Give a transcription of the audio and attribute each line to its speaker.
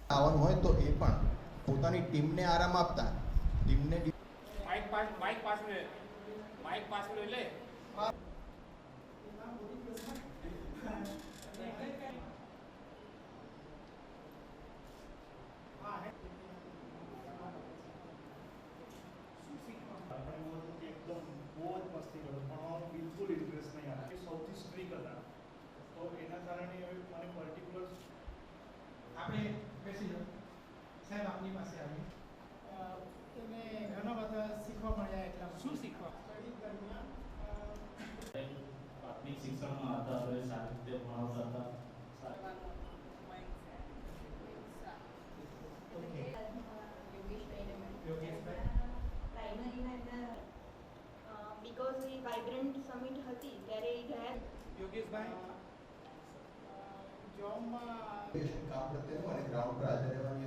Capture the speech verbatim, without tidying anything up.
Speaker 1: આવવાનું હોય તો એ પણ પોતાની ટીમને આરામ આપતા ટીમને
Speaker 2: માઇક પાસ માઇક પાસ લે માઇક પાસ લે લે
Speaker 3: एकदम बहुत मस्ती करो પણ બિલકુલ ઇન્ટરેસ્ટ નહીં આવે સૌથી સ્ટ્રીક હતા તો એના કારણે મને પર્ટિક્યુલર
Speaker 4: આપણે બેસી જાઓ સાહેબ આપની પાસે આવી એને ઘણા બધા શીખવા મળ્યા એટલા
Speaker 2: શું શીખવા
Speaker 4: સ્ટડી દરમિયાન
Speaker 5: પ્રાથમિક શિક્ષણમાં હતા હવે સારી રીતે ભણાવતા હતા
Speaker 4: ઓકે
Speaker 6: બીકોઝ એ વાઇબ્રન્ટ સમિટ હતી ત્યારે એ ગયા
Speaker 4: યોગેશભાઈ જોબમાં
Speaker 1: કામ પ્રત્યેનું અને ગ્રાઉન્ડ પર હાજર રહેવાનું